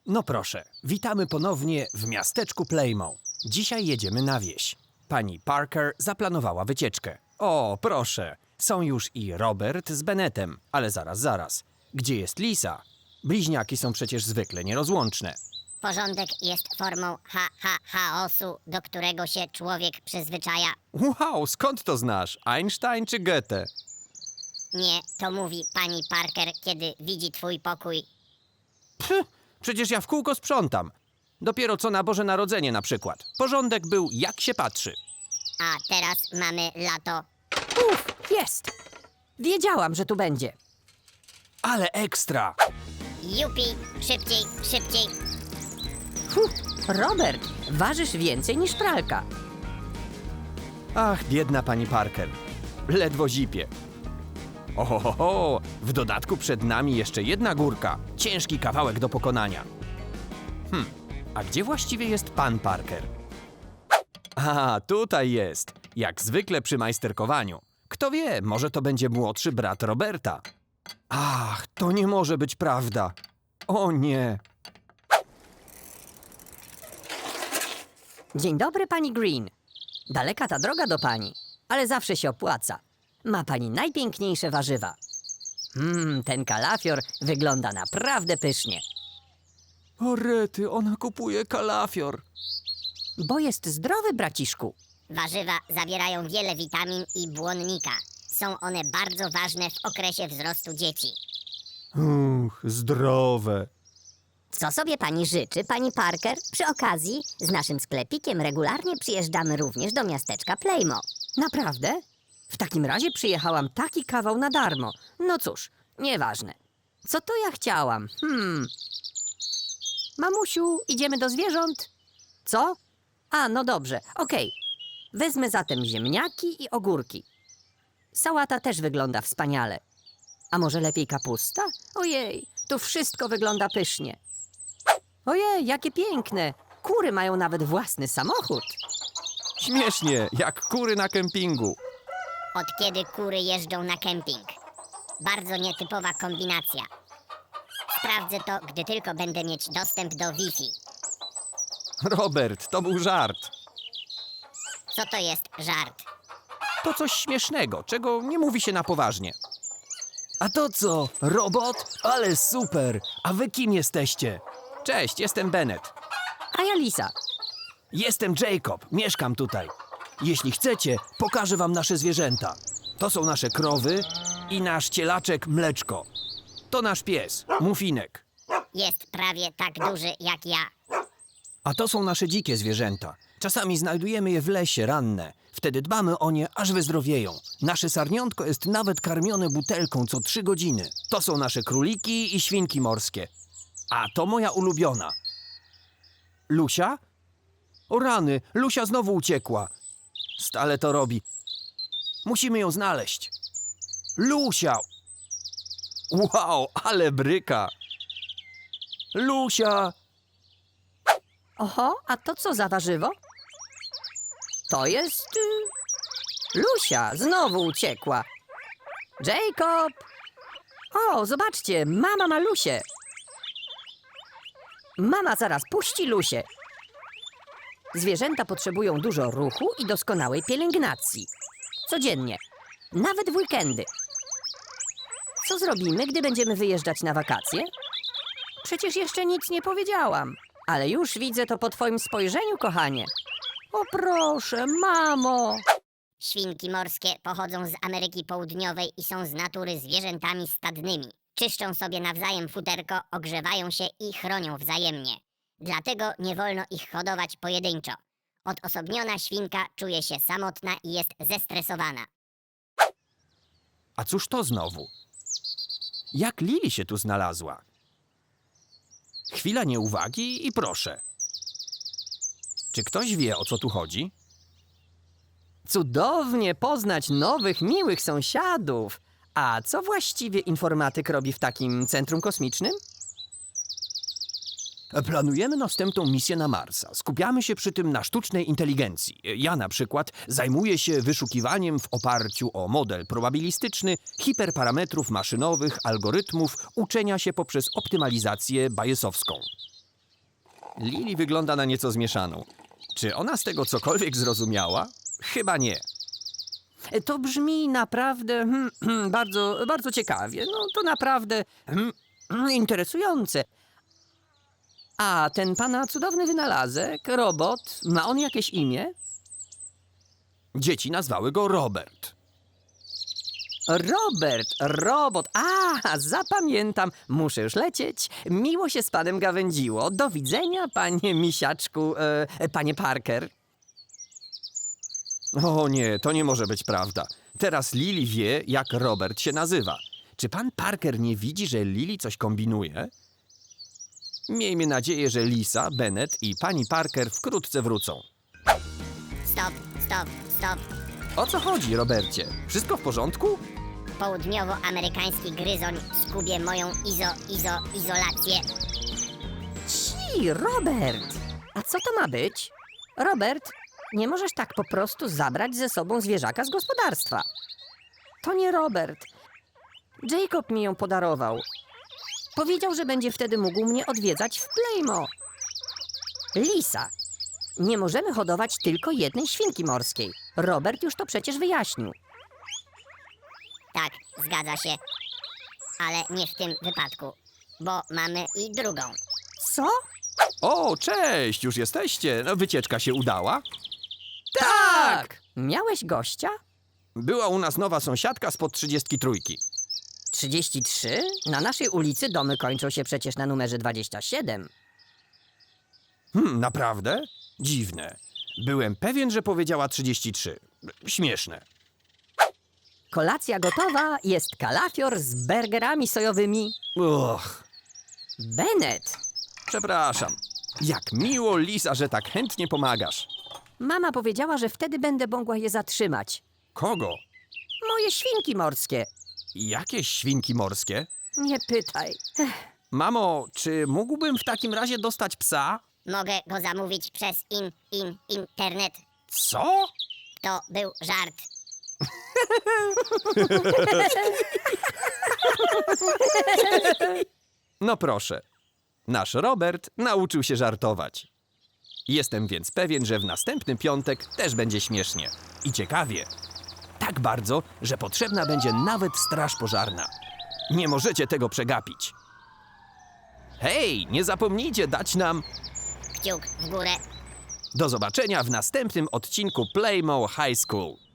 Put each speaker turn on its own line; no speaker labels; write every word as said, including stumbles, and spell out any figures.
No proszę, witamy ponownie w miasteczku Plejmo. Dzisiaj jedziemy na wieś. Pani Parker zaplanowała wycieczkę. O, proszę, są już i Robert z Bennettem, ale zaraz, zaraz. Gdzie jest Lisa? Bliźniaki są przecież zwykle nierozłączne.
Porządek jest formą ha, ha, chaosu, do którego się człowiek przyzwyczaja.
Wow, skąd to znasz? Einstein czy Goethe?
Nie, to mówi pani Parker, kiedy widzi twój pokój.
Pff, przecież ja w kółko sprzątam. Dopiero co na Boże Narodzenie na przykład. Porządek był jak się patrzy.
A teraz mamy lato.
Uf, jest! Wiedziałam, że tu będzie.
Ale ekstra!
Jupi, szybciej, szybciej.
Fuh, Robert, ważysz więcej niż pralka.
Ach, biedna pani Parker. Ledwo zipie. Ohohoho, w dodatku przed nami jeszcze jedna górka. Ciężki kawałek do pokonania. Hm, a gdzie właściwie jest pan Parker? A, tutaj jest. Jak zwykle przy majsterkowaniu. Kto wie, może to będzie młodszy brat Roberta. Ach, to nie może być prawda. O nie.
Dzień dobry, pani Green. Daleka ta droga do pani, ale zawsze się opłaca. Ma pani najpiękniejsze warzywa. Mmm, ten kalafior wygląda naprawdę pysznie.
O rety, ona kupuje kalafior.
Bo jest zdrowy, braciszku.
Warzywa zawierają wiele witamin i błonnika. Są one bardzo ważne w okresie wzrostu dzieci.
Uch, zdrowe.
Co sobie pani życzy, pani Parker? Przy okazji, z naszym sklepikiem regularnie przyjeżdżamy również do miasteczka Plejmo. Naprawdę? W takim razie przyjechałam taki kawał na darmo. No cóż, nieważne. Co to ja chciałam? Hmm. Mamusiu, idziemy do zwierząt? Co? A, no dobrze, okej. Wezmę zatem ziemniaki i ogórki. Sałata też wygląda wspaniale. A może lepiej kapusta? Ojej, tu wszystko wygląda pysznie. Ojej, jakie piękne! Kury mają nawet własny samochód.
Śmiesznie, jak kury na kempingu.
Od kiedy kury jeżdżą na kemping? Bardzo nietypowa kombinacja. Sprawdzę to, gdy tylko będę mieć dostęp do Wi-Fi.
Robert, to był żart.
Co to jest żart?
To coś śmiesznego, czego nie mówi się na poważnie. A to co? Robot? Ale super! A wy kim jesteście? Cześć, jestem Bennett.
A ja Lisa.
Jestem Jacob, mieszkam tutaj. Jeśli chcecie, pokażę wam nasze zwierzęta. To są nasze krowy i nasz cielaczek Mleczko. To nasz pies, Mufinek.
Jest prawie tak duży jak ja.
A to są nasze dzikie zwierzęta. Czasami znajdujemy je w lesie ranne. Wtedy dbamy o nie, aż wyzdrowieją. Nasze sarniątko jest nawet karmione butelką co trzy godziny. To są nasze króliki i świnki morskie. A to moja ulubiona. Lusia? O rany, Lusia znowu uciekła. Stale to robi. Musimy ją znaleźć. Lusia! Wow, ale bryka! Lusia!
Oho, a to co za warzywo? To jest... y, Lusia, znowu uciekła. Jacob! O, zobaczcie, mama ma Lusię. Mama zaraz puści Lusię. Zwierzęta potrzebują dużo ruchu i doskonałej pielęgnacji. Codziennie, nawet w weekendy. Co zrobimy, gdy będziemy wyjeżdżać na wakacje? Przecież jeszcze nic nie powiedziałam. Ale już widzę to po twoim spojrzeniu, kochanie. O proszę, mamo!
Świnki morskie pochodzą z Ameryki Południowej i są z natury zwierzętami stadnymi. Czyszczą sobie nawzajem futerko, ogrzewają się i chronią wzajemnie. Dlatego nie wolno ich hodować pojedynczo. Odosobniona świnka czuje się samotna i jest zestresowana.
A cóż to znowu? Jak Lili się tu znalazła? Chwila nieuwagi i proszę. Czy ktoś wie, o co tu chodzi?
Cudownie poznać nowych, miłych sąsiadów. A co właściwie informatyk robi w takim centrum kosmicznym?
Planujemy następną misję na Marsa. Skupiamy się przy tym na sztucznej inteligencji. Ja na przykład zajmuję się wyszukiwaniem w oparciu o model probabilistyczny hiperparametrów maszynowych, algorytmów uczenia się poprzez optymalizację bayesowską. Lili wygląda na nieco zmieszaną. Czy ona z tego cokolwiek zrozumiała? Chyba nie. To brzmi naprawdę hmm, hmm, bardzo, bardzo ciekawie. No to naprawdę hmm, hmm, interesujące. A ten pana cudowny wynalazek, robot, ma on jakieś imię? Dzieci nazwały go Robert. Robert, robot. A, zapamiętam. Muszę już lecieć. Miło się z panem gawędziło. Do widzenia, panie misiaczku, e, panie Parker. O nie, to nie może być prawda. Teraz Lili wie, jak Robert się nazywa. Czy pan Parker nie widzi, że Lili coś kombinuje? Miejmy nadzieję, że Lisa, Bennett i pani Parker wkrótce wrócą.
Stop, stop, stop.
O co chodzi, Robercie? Wszystko w porządku?
Południowoamerykański gryzoń skubie moją izo, izo, izolację.
Ci, Robert! A co to ma być? Robert, nie możesz tak po prostu zabrać ze sobą zwierzaka z gospodarstwa. To nie Robert. Jacob mi ją podarował. Powiedział, że będzie wtedy mógł mnie odwiedzać w Playmo. Lisa, nie możemy hodować tylko jednej świnki morskiej. Robert już to przecież wyjaśnił.
Tak, zgadza się. Ale nie w tym wypadku, bo mamy i drugą.
Co?
O, cześć, już jesteście. No, wycieczka się udała?
Tak! Miałeś gościa?
Była u nas nowa sąsiadka spod trzydziestki trójki.
trzydzieści trzy? Na naszej ulicy domy kończą się przecież na numerze dwadzieścia siedem.
Hmm, naprawdę? Dziwne. Byłem pewien, że powiedziała trzydzieści trzy. Śmieszne.
Kolacja gotowa, jest kalafior z burgerami sojowymi.
Och,
Bennett!
przepraszam. Jak miło, Lisa, że tak chętnie pomagasz.
Mama powiedziała, że wtedy będę mogła je zatrzymać.
Kogo?
Moje świnki morskie.
Jakieś świnki morskie?
Nie pytaj. Ech,
Mamo, czy mógłbym w takim razie dostać psa?
Mogę go zamówić przez in, in, internet.
Co?
To był żart.
No proszę. Nasz Robert nauczył się żartować. Jestem więc pewien, że w następny piątek też będzie śmiesznie. I ciekawie. Tak bardzo, że potrzebna będzie nawet straż pożarna. Nie możecie tego przegapić. Hej, nie zapomnijcie dać nam...
Kciuk w górę.
Do zobaczenia w następnym odcinku Playmo High School.